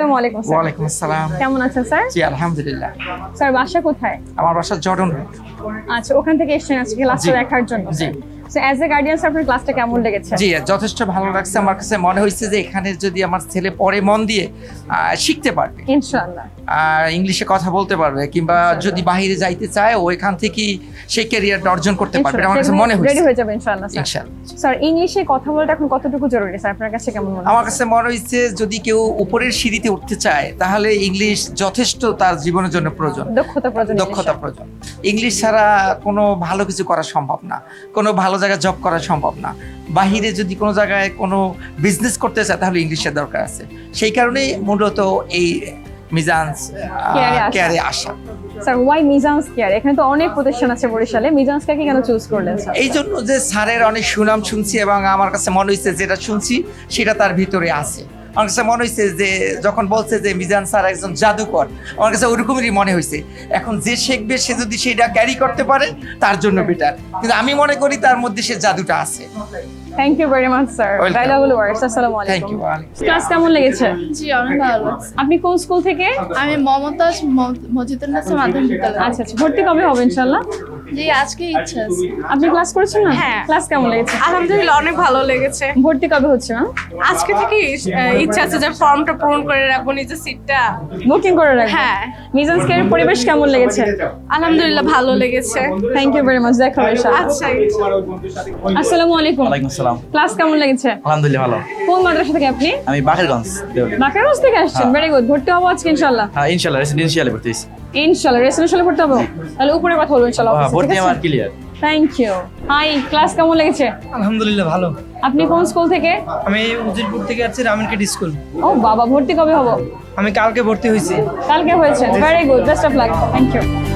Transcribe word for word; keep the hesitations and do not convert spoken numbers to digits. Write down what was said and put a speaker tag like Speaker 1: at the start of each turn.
Speaker 1: আসসালামু আলাইকুম স্যার।
Speaker 2: ওয়ালাইকুম আসসালাম।
Speaker 1: কেমন আছেন স্যার?
Speaker 2: জি আলহামদুলিল্লাহ।
Speaker 1: স্যার বাসা কোথায়?
Speaker 2: আমার বাসা জর্ডন।
Speaker 1: আচ্ছা, ওখান থেকে এসেছেন আজকে ক্লাসটা
Speaker 2: জি।
Speaker 1: দেখার জন্য।
Speaker 2: জি।
Speaker 1: সো অ্যাজ এ গার্ডিয়ান আপনার ক্লাসটা কেমন লেগেছে?
Speaker 2: জি যথেষ্ট ভালো লাগছে। আমার কাছে মনে হয়েছে যে এখানে যদি আমার ছেলে পড়ে মন দিয়ে আহ, শিখতে পারবে,
Speaker 1: ইনশাআল্লাহ
Speaker 2: আর ইংলিশে কথা বলতে পারবে, কিংবা যদি বাইরে যাইতে চায় ও এখান থেকেই সেই ক্যারিয়ারটা অর্জন করতে পারবে, আমার কাছে মনে
Speaker 1: রেডি
Speaker 2: হয়েছে।
Speaker 1: হয়ে যাবে ইনশাআল্লাহ স্যার।
Speaker 2: ইনশাআল্লাহ।
Speaker 1: স্যার ইংলিশে কথা বলাটা এখন কতটুকু জরুরি স্যার আপনার কাছে কেমন মনে হয়?
Speaker 2: আমার কাছে মনে হয়েছে যদি কেউ উপরের সিঁড়িতে উঠতে চায় তাহলে ইংলিশ যথেষ্ট তার জীবনের জন্য প্রয়োজন,
Speaker 1: দক্ষতা প্রয়োজন।
Speaker 2: দক্ষতা প্রয়োজন। ইংলিশ ছাড়া কোনো ভালো কিছু করা সম্ভব না, কোনো ভালো জায়গায় জব করা সম্ভব না। বাহিরে যদি কোনো জায়গায় কোনো বিজনেস করতে চায় তাহলে ইংলিশের দরকার আছে। সেই কারণেই মূলত এই মিজান্স
Speaker 1: কেয়ারে আসা।
Speaker 2: কেয়ারে আসা।
Speaker 1: Sir Y Mizan's care? এখানে তো অনেক প্রতিষ্ঠান আছে বরিশালে, মিজান্স কেয়ারকে কেন চুজ করলেন স্যার?
Speaker 2: এই জন্য যে স্যারের অনেক সুনাম শুনছি এবং আমার কাছে মনে হয়েছে যেটা শুনছি সেটা তার ভিতরে আছে। আমার কাছে মনে হয়েছে যে যখন বলছে যে মিজান স্যার একজন জাদুকর, আমার কাছে ওরকমই মনে হয়েছে। এখন যে শিখবে সে যদি সেটা ক্যারি করতে পারে তার জন্য বেটার, কিন্তু আমি মনে করি তার মধ্যে সে জাদুটা আছে।
Speaker 1: Thank you very much sir.
Speaker 2: Welcome.
Speaker 1: Valuable words. আসসালামু
Speaker 2: থ্যাংক
Speaker 1: আলাইকুম।
Speaker 2: ইউ।
Speaker 1: ক্লাস কেমন লেগেছে?
Speaker 3: জি অনেক ভালো লাগছে।
Speaker 1: আপনি কোন স্কুল থেকে?
Speaker 3: আমি মমতাজ ম- মজিদুন্নেসা মাধ্যমিক বিদ্যালয়।
Speaker 1: আচ্ছা আচ্ছা, ভর্তি কবে হবে ইনশাআল্লাহ?
Speaker 3: জি আজকে ইচ্ছা আছে।
Speaker 1: আপনি ক্লাস করেছেন না?
Speaker 4: হ্যাঁ।
Speaker 1: ক্লাস কেমন লেগেছে?
Speaker 4: আলহামদুলিল্লাহ অনেক ভালো লেগেছে।
Speaker 1: ভর্তি কবে হচ্ছে ম্যাম?
Speaker 4: আজকে থেকে ইচ্ছা আছে যে ফর্মটা পূরণ করে রাখবো, নিজের সিটটা।
Speaker 1: বুকিং করে রাখবেন?
Speaker 4: হ্যাঁ।
Speaker 1: মিজান্স কেয়ারের পরিবেশ কেমন লেগেছে?
Speaker 4: আলহামদুলিল্লাহ ভালো লেগেছে।
Speaker 1: Thank you very much. দেখা হবে ইনশাআল্লাহ।
Speaker 4: আচ্ছা।
Speaker 1: আসসালামু আলাইকুম।
Speaker 5: ওয়ালাইকুম আসসালাম।
Speaker 1: ক্লাস কেমন লেগেছে?
Speaker 5: আলহামদুলিল্লাহ ভালো।
Speaker 1: কোন মাদ্রাসা থেকে আপনি?
Speaker 5: আমি বাকেরগঞ্জ দেওয়ালি।
Speaker 1: বাকেরগঞ্জ থেকে আসছেন?
Speaker 5: হ্যাঁ।
Speaker 1: Very good. ভর্তি হবো আজকে ইনশাআল্লাহ?
Speaker 5: হ্যাঁ ইনশাআল্লাহ রেসিডেন্সিয়ালে ভর্তি হয়েছি।
Speaker 1: ইনশাআল্লাহ রেসিডেন্সিয়ালে ভর্তি হবো? তাহলে উপরে কথা বলবো ইনশাআল্লাহ
Speaker 5: হ্যাঁ,
Speaker 1: অফিসে,
Speaker 5: ভর্তি
Speaker 1: ঠিক
Speaker 5: আমার
Speaker 1: আছে?
Speaker 5: Clear.
Speaker 1: Thank you. Hi, class কেমন লেগেছে?
Speaker 6: আলহামদুলিল্লাহ ভালো।
Speaker 1: আপনি কোন স্কুল থেকে?
Speaker 6: আমি উজিরপুর থেকে আছি, রামিনকেট স্কুল।
Speaker 1: ও বাবা, ভর্তি কবে হবো?
Speaker 6: আমি কালকে ভর্তি হয়েছি।
Speaker 1: কালকে হয়েছে? Very good, best of luck. Thank you.